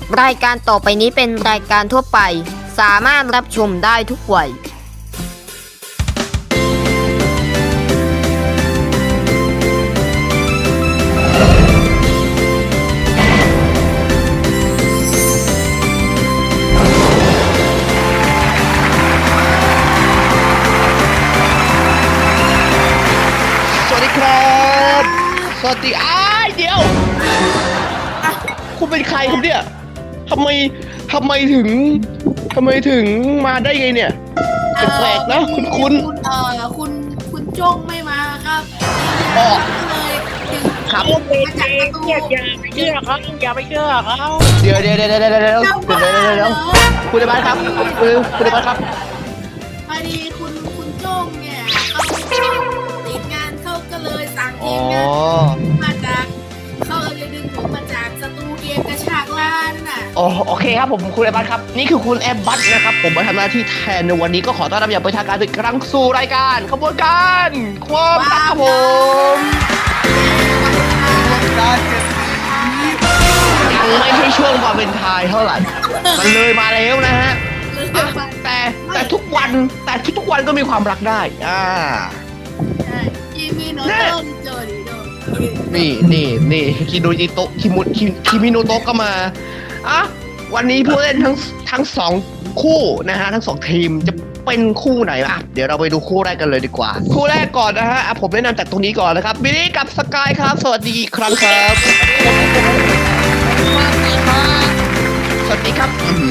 รายการต่อไปนี้เป็นรายการทั่วไปสามารถรับชมได้ทุกวัยสวัสดีครับสวัสดีเดี๋ยวคุณเป็นใครครับเนี่ยทำไมถึงมาได้ไงเนี่ยแปลกๆนะคุณคุณจ้งไม่มาครับเลยถึงครับมาจากประตูอย่าไปเชื่อเขาเดี๋ยวคุณในบ้านครับคุณในบ้านครับพอดีคุณจ้งเนี่ยเขาติดงานเขาก็เลยสั่งเกอ๋อมงานมาจากเขาเลยดึงผมมาจากสตูเกมกระชากล้านน่ะโอเคครับผมคุณในบ้านครับนี่คือคุณแอบบัตนะครับผมมาทำหน้าที่แทนในวันนี้ก็ขอต้อนรับอย่างเป็นทางการอีกครั้งสู่รายการขบวนการความรักครับผมยังไม่ใช่ช่วงวาเลนไทน์เท่าไหร่มันเลยมาแล้วนะฮะ แต่ทุกวันก็มีความรักได้ใช่ยิมีโนโต้เจอดีโดนี่คิโนจิโตะคิมิโนโตะก็มาวันนี้ผู้เล่นทั้งสองคู่นะฮะทั้งสองทีมจะเป็นคู่ไหนเดี๋ยวเราไปดูคู่แรกกันเลยดีกว่าคู่แรกก่อนนะฮะผมแนะนำจากตรงนี้ก่อนนะครับบิลลี่กับสกายครับสวัสดีอีกครั้งครับสวัสดีครับ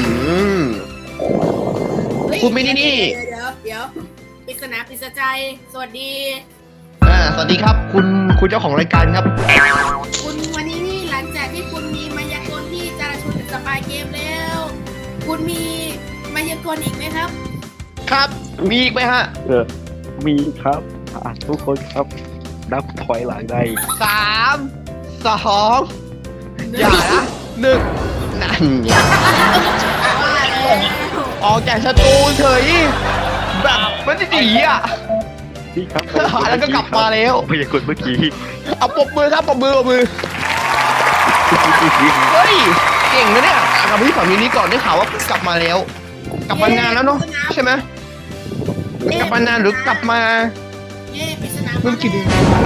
คุณมินี่นี่เดี๋ยวปริศนาปริศใจสวัสดีสวัสดีครับคุณเจ้าของรายการครับคุณวันนี้นี่หลังจากที่คุณมีมายากลที่จะชวนสปายเกมแล้ว คุณมีมายากลอีกไหมครับครับมีอีกไหมฮะมีครับทุกคนครับนับถอยหลังได้ 3 2อย่านะ1นั่นไงออกจากสตูเฉยแบบมันจะดีนี่ครับแล้วก็กลับมาแล้วพยากรณ์เมื่อกี้เอาปรบมือครับปรบมือเฮ้ยเก่งนะเนี่ยกับพี่ฝั่งนี้ก่อนได้ข่าวว่ากลับมาแล้ว กลับมานานแล้วเนาะใช่ไหมกลับมานานหรือกลับมาปริศนาเมื่อกี้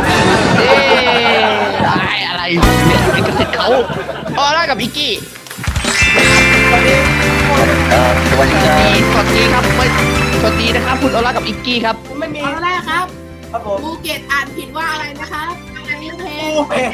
ได้อะไรเนี่ยไอ้กระติดเขาได้กับอิกกี้สวัสดีครับสวัสดีนะครับคุณออร่ากับอิกกี้ครับไม่มีแรกครับภูเก็ตอ่านผิดว่าอะไรนะครับอันนี้เพลง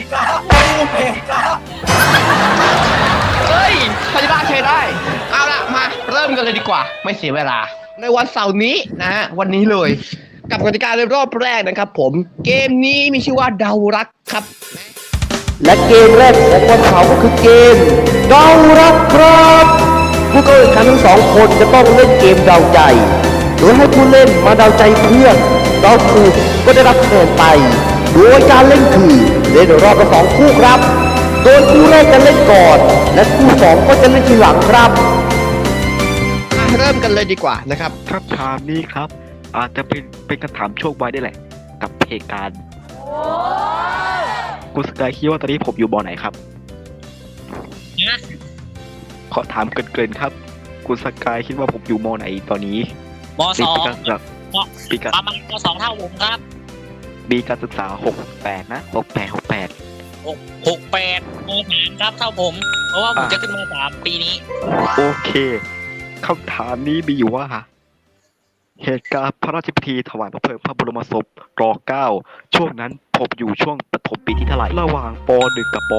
เฮ้ยใครได้ใช้ได้เอาละมาเริ่มกันเลยดีกว่าไม่เสียเวลาในวันเสาร์นี้นะฮะวันนี้เลยกับกติกาในรอบแรกนะครับผมเกมนี้มีชื่อว่าเดารักครับและเกมแรกของวันเสาร์ก็คือเกมเดารักครับผู้เข้าแข่งขันทั้งสองคนจะต้องเล่นเกมเดาใจโดยให้ผู้เล่นมาเดาใจเพื่อนเดาถูกก็ได้รับคะแนนไปโดยการเล่นคือเล่นรอบละ2คู่ครับโดยคู่แรกจะเล่นก่อนและคู่2ก็จะเล่นทีหลังครับเริ่มกันเลยดีกว่านะครับคำถามนี้ครับ อาจจะเป็นคำถามโชคไว้ได้แหละ กับเพการคุณสกายคิดว่าตอนนี้ผมอยู่บอไหนครับขอถามเกินครับคุณสกายคิดว่าผมอยู่มอไหนตอนนี้มสองปีการประมาณมสองเท่าผมครับปีการศึกษา68นะ68 68ม3ครับเท่าผม เพราะว่าผมจะขึ้นม3ปีนี้โอเคคำถามนี้มีอยู่ว่าเหตุการณ์พระราชพิธีถวายพระเพลิงพระบรมศพร.9 ช่วงนั้นผมอยู่ช่วงประถมปีที่เท่าไหร่ระหว่างป.1 กับป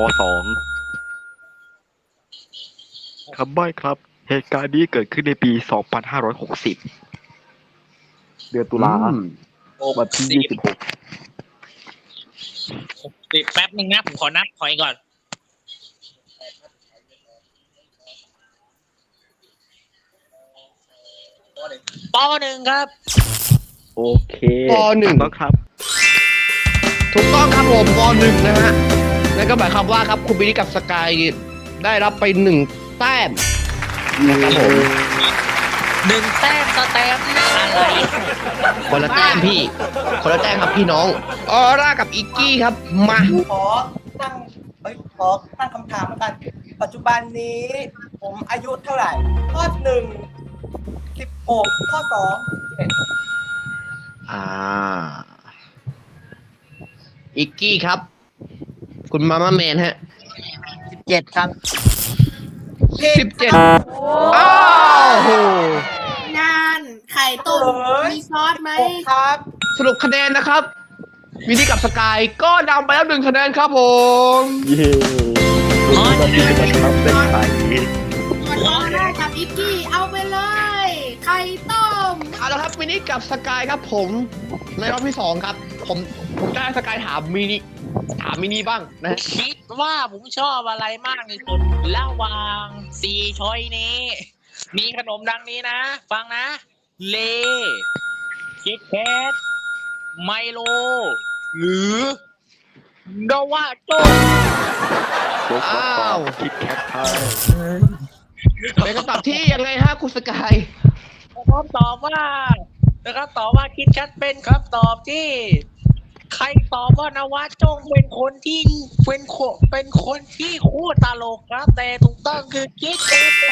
.2 คำใบ้ครับเหตุการณ์นี้เกิดขึ้นในปี 2560 เดือนตุลาวันที่ 26 แป๊บนึงนะผมขอนับถอยก่อนป.1 ครับโอเคป.1 ต้องครับถูกต้องครับผมป.1 นะฮะนั่นก็หมายความว่าครับคุณบิลลี่กับสกายได้รับไป1แต้มนะครับผม 1 แต้มสแตมป์อะไรคนละแต้มพี่คนละแต้มครับพี่น้องออร่ากับอิกกี้ครับมาขอตั้งคำถามแล้วกันปัจจุบันนี้ผมอายุเท่าไหร่ ข้อ1 16 ข้อ2 17 อิกกี้ครับ คุณมาม่าแมนฮะ 17 ครับ 17อ้าวโหงานไข่ต้มมีซอสไหม 6ครับสรุปคะแนนนะครับ มินิกับสกายก็นำไปแล้ว1 คะแนนครับผมเย้รู้ว่าที่จะมาทำได้ไข่ส่วนออร่ากับอิกกี้เอาไปเลย ไข่ต้มเอาละครับมินิกับสกายครับผม ในรอบที่2ครับ ผมจะให้สกายถามมินิบ้างนะฮะคิดว่าผมชอบอะไรมากที่สุดระหว่าง4ช้อยนี้ มีขนมดังนี้นะ ฟังนะ เลคิดแคทไมโล หรือนวาโจยกข้อสอบคิดแคทไทยเป็นคำตอบที่ยังไงฮะคุณสกายนะครับตอบว่าคิดแคทเป็นครับตอบที่ ใครตอบว่านวาโจงเป็นคนที่คู่ตลกครับ แต่ถูกต้องคือคิดแคทเย้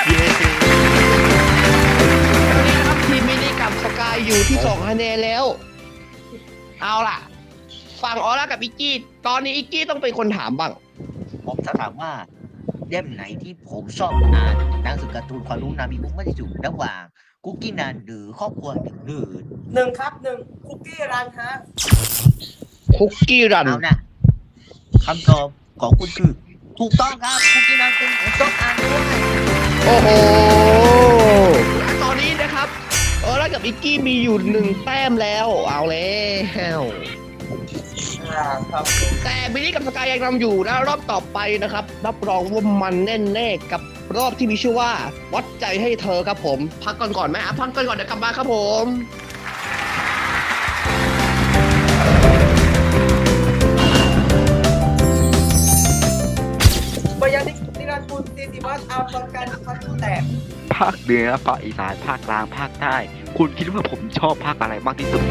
วันนี้นะครับทีมมินิกับสกายอยู่ที่2 คะแนนแล้ว เอาล่ะ ฝั่งออร่ากับอิกกี้ ตอนนี้อิกกี้ต้องเป็นคนถามบ้างผมจะถามว่าเล่มไหนที่ผมชอบอ่านหนังสือการ์ตูนความรู้นามีมุกมากที่สุดระหว่างคุกกี้นันหรือครอบครัวหนึ่งหรือ 1 ครับ 1 คุกกี้รันฮะคุกกี้รันเอานะคำตอบของคุณคือ ถูกต้องครับคุกกี้นันเป็นผมต้องอ่านด้วยโอ้โห ตอนนี้นะครับออร่ากับอิกกี้มีอยู่1 แต้มแล้ว เอาแล้วครับแต่มินิกับสกายยังนำอยู่นะรอบต่อไปนะครับ รับรองว่ามันแน่ๆกับรอบที่มีชื่อว่า วัดใจให้เธอครับผม พักก่อนไหมพักก่อนเดี๋ยวกลับมาครับผมบยันนิรันดร์คุณ40 วัตต์เอาประกันพัดแตกภาคเหนือภาคอีสานภาคกลางภาคใต้คุณคิดว่าผมชอบภาคอะไรมากที่สุด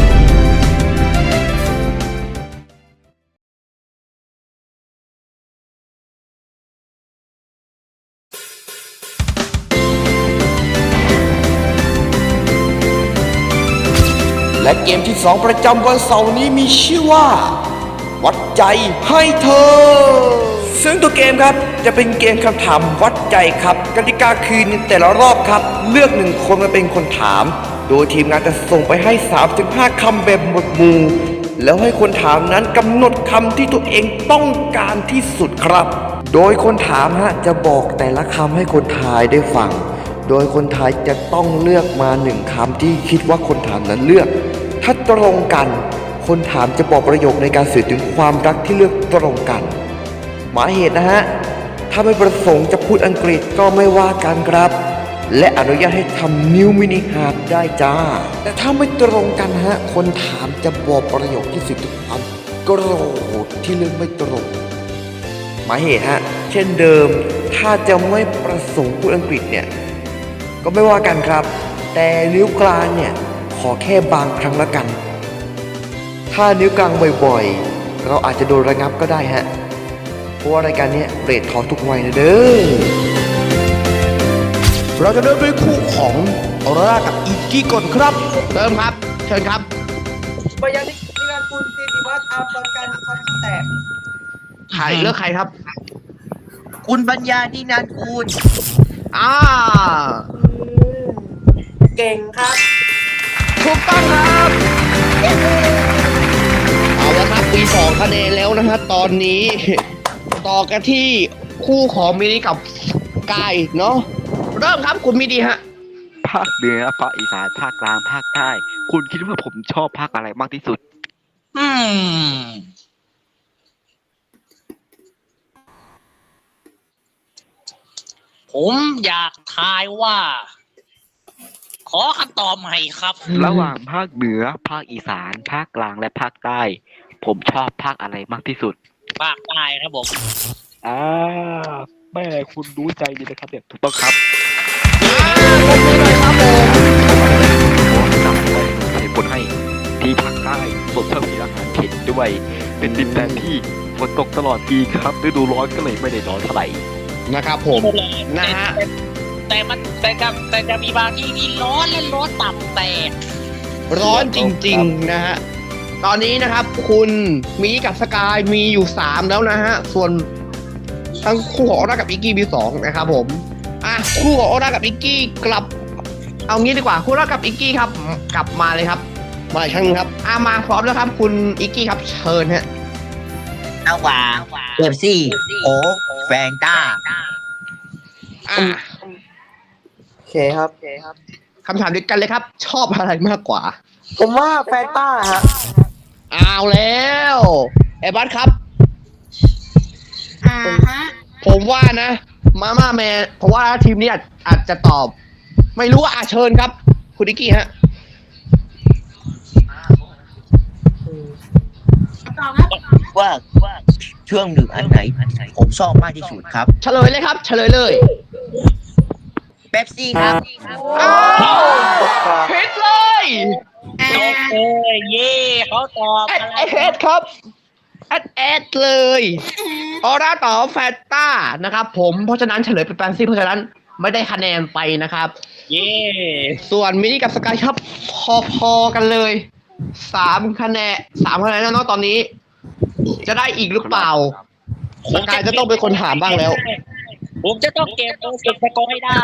และเกมที่ 2 ประจำวันเสาร์นี้มีชื่อว่า วัดใจให้เธอ ซึ่งตัวเกมครับจะเป็นเกมคำถามวัดใจครับกติกาคือในแต่ละรอบครับ เลือก1 คนมาเป็นคนถาม โดยทีมงานจะส่งไปให้ 3-5 คำแบบหมวดหมู่แล้วให้คนถามนั้นกำหนดคำที่ตัวเองต้องการที่สุดครับ โดยคนถามจะบอกแต่ละคำให้คนทายได้ฟัง โดยคนทายจะต้องเลือกมา1 คำที่คิดว่าคนถามนั้นเลือก ถ้าตรงกัน คนถามจะบอกประโยคในการสื่อถึงความรักที่เลือกตรงกัน หมายเหตุถ้าไม่ประสงค์จะพูดอังกฤษก็ไม่ว่ากันครับ และอนุญาตให้ทำนิ้วมินิฮาร์ดได้จ้า แต่ถ้าไม่ตรงกันคนถามจะบอกประโยคที่สื่อถึงความโกรธที่เลือกไม่ตรง หมายเหตุเช่นเดิม ถ้าจะไม่ประสงค์พูดอังกฤษเนี่ยก็ไม่ว่ากันครับ แต่นิ้วกลางเนี่ยขอแค่บางครั้งละกัน ถ้านิ้วกลางบ่อยๆเราอาจจะโดนระงับก็ได้เพราะว่ารายการนี้เรททอทุกวัยนะเด้อเราจะเริ่มด้วยคู่ของออร่ากับอีกกี้ก่อนครับเริ่มครับ เชิญครับบยันนิรันดร์คุณ40 วัตต์เอาประกันพัดแตกเลือกใครครับคุณปัญญาดีนันคุณอ่าเก่งครับถูกต้องครับ เอาละครับมี2 คะแนนแล้วนะฮะตอนนี้ ต่อกันที่คู่ของมินิกับกายเนาะเริ่มครับคุณมินิฮะภาคเหนือภาคอีสานภาคกลางภาคใต้คุณคิดว่าผมชอบภาคอะไรมากที่สุดผมอยากทายว่า ขอคำตอบใหม่ครับระหว่างภาคเหนือภาคอีสานภาคกลางและภาคใต้ ผมชอบภาคอะไรมากที่สุดภาคใต้ครับผมแม่คุณรู้ใจดีนะครับเนี่ยถูกต้องครับขอบคุณหน่อยครับผมจำไว้ใส่ผลให้ที่ภาคใต้สดเพิ่มมีอาหารเผ็ดด้วย เป็นดินแดนที่ฝนตกตลอดปีครับฤดูร้อนก็เลยไม่ได้ร้อนเท่าไหร่นะครับผมนะฮะแต่จะมีบางที่นี่ร้อนและร้อนตับแตกร้อนจริงๆนะฮะตอนนี้นะครับคุณมีกับสกายมีอยู่3แล้วนะฮะส่วนทั้งคู่ของออร่ากับอิกกี้มี2นะครับผมคู่ของออร่ากับอิกกี้กลับเอางี้ดีกว่าคู่ออร่ากับอิกกี้ครับกลับมาเลยครับมาอีกครั้งนึงครับมาพร้อมแล้วครับคุณอิกกี้ครับเชิญฮะระหว่างเบปซี่โอ๊กแฟนต้าโอเคครับคำถามเดียวกันเลยครับ ชอบอะไรมากกว่าผมว่าแฟนต้าฮะเอาแล้วไอ้บัสครับฮะผมว่านะมาม่าแมนเพราะว่าทีมนี้อาจจะตอบ ไม่รู้เชิญครับ คุณอิกกี้ฮะต่อครับว่าช่วงหนึ่งอันไหนผมชอบมากที่สุดครับเฉลยเลยครับเฉลยเลยเป๊ปซี่ครับอ้าวผิดเลยเย่เขาตอบแอดครับแอดเลยออร่าต่อแฟนต้านะครับผมเพราะฉะนั้นเฉลยเป็นแฟนซี่เพราะฉะนั้นไม่ได้คะแนนไปนะครับเย่ส่วนมินิกับสกายครับพอๆกันเลย3 คะแนนแล้วเนาะตอนนี้ จะได้อีกหรือเปล่าสกายจะต้องเป็นคนถามบ้างแล้วผมจะต้องเก็บตัวเก็บสกอร์ให้ได้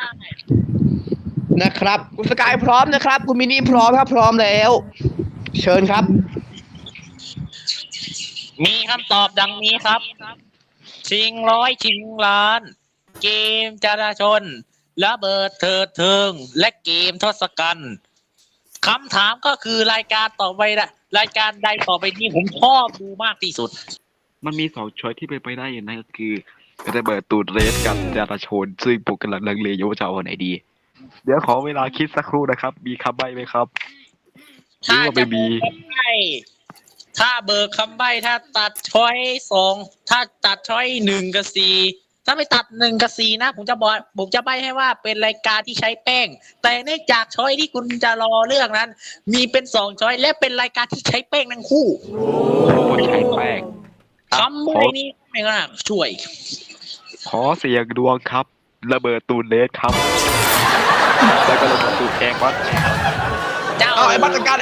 นะครับคุณสกายพร้อมนะครับคุณมินิพร้อมครับพร้อมแล้ว เชิญครับมีคำตอบดังนี้ครับ ชิงร้อยชิงล้าน เกมจราชนระเบิดเถิดเทิง และเกมทศกัณฐ์คำถามก็คือรายการต่อไปนะรายการใดต่อไปนี้ผมชอบดูมากที่สุดมันมี2 ช้อยที่เป็นไปได้อย่างนั้นก็คือระเบิดตูดเรสกับจราชนซึ่งผมกำลังลังเลอยู่ว่าจะเอาอันไหนดี เดี๋ยวขอเวลาคิดสักครู่นะครับ มีคำใบ้ไหมครับหรือว่าไม่มีถ้าเบิกคำใบ้ถ้าตัดช้อย2ถ้าตัดช้อย1 กับ 4ถ้าไม่ตัด1 กับ 4นะผมจะใบ้ให้ว่าเป็นรายการที่ใช้แป้ง แต่เนื่องจากช้อยที่คุณจะรอเลือกนั้น มีเป็น2ช้อยและเป็นรายการที่ใช้แป้งทั้งคู่คนใช้แป้งคำใบ้นี้ไม่น่าช่วยขอเสียงดวงครับ ระเบิดตูดเรสครับ แล้วก็ระเบิดตูดแองวัดเจ้าเอาไอ้มาตรการ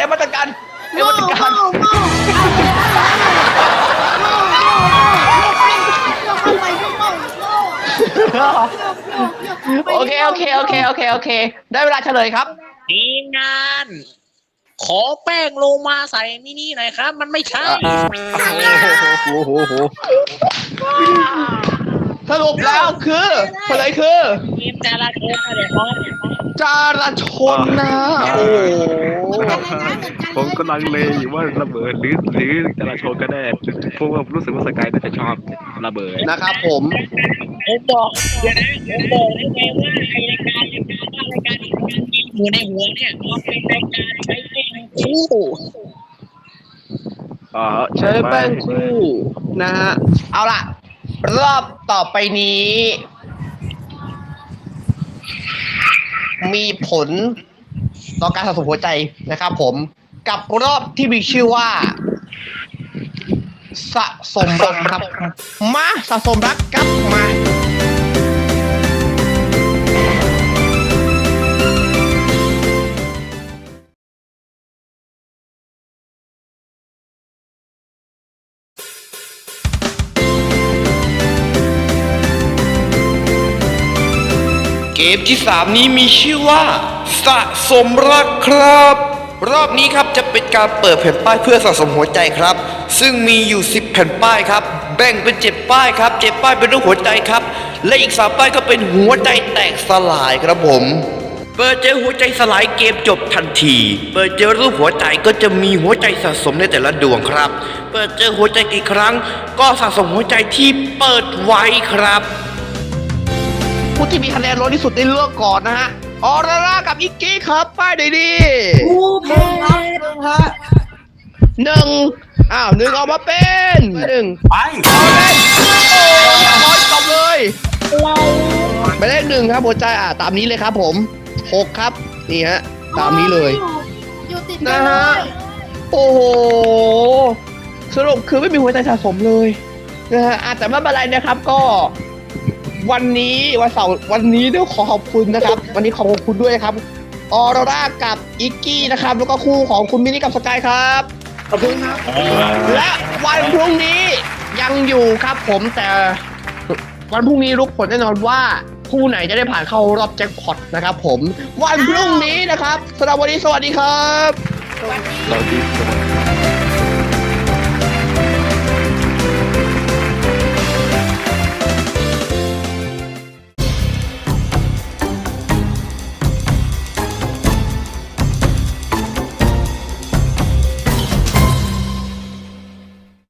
โอเคได้เวลาเฉลยครับทีมงาน ขอแป้งลงมาใส่มินิหน่อยครับ มันไม่ใช่โอ้โหสรุปแล้วคือเฉลยคือทีมจราชนอะไรครับจราชนนะโอ้โหผมกำลังเลอยู่ว่าระเบิดหรือจราชนก็ได้เพราะว่ารู้สึกว่าสกายน่าจะชอบระเบิดนะครับผมผมบอกเดี๋ยวนะผมบอกได้ไงว่าไอรายการที่อยู่ในหัวเนี่ยมันเป็นรายการใช้แป้งคู่ใช้แป้งคู่นะฮะเอาล่ะรอบต่อไปนี้ มีผลต่อการสะสมหัวใจนะครับผมกับรอบที่มีชื่อว่า สะสมรักครับมาสะสมรักกลับมาเกมที่ 3 นี้มีชื่อว่าสะสมรักครับ รอบนี้ครับจะเป็นการเปิดแผ่นป้ายเพื่อสะสมหัวใจครับ ซึ่งมีอยู่10แผ่นป้ายครับแบ่งเป็น7ป้ายครับ7ป้ายเป็นรูปหัวใจครับและอีก3ป้ายก็เป็นหัวใจแตกสลายครับผมเปิดเจอหัวใจสลายเกมจบทันทีเปิดเจอรูปหัวใจก็จะมีหัวใจสะสมในแต่ละดวงครับเปิดเจอหัวใจกี่ครั้งก็สะสมหัวใจที่เปิดไว้ครับผู้ที่มีคะแนนน้อยที่สุดได้เลือกก่อนนะฮะออร่ากับอิกกี้ครับป้ายไหนดี 1 1ออกมาเป็น1ไปเอาเลยโอ้ยตบเลยไปเลข1ครับหัวใจตามนี้เลยครับผม6ครับนี่ฮะตามนี้เลยอยู่ติดนะฮะโอ้โหสรุปคือไม่มีหัวใจสะสมเลยนะฮะแต่ไม่เป็นไรนะครับก็วันนี้วันเสาร์วันนี้ต้องขอขอบคุณนะครับ วันนี้ขอบคุณด้วยนะครับออโรรากับอิกกี้นะครับแล้วก็คู่ของคุณมินิกับสกายครับขอบคุณครับและวันพรุ่งนี้ยังอยู่ครับผมแต่วันพรุ่งนี้รู้ผลแน่นอนว่าคู่ไหนจะได้ผ่านเข้ารอบแจ็คพอตนะครับผมวันพรุ่งนี้นะครับสำหรับวันนี้สวัสดีครับสวัสดีสวัสดีครับ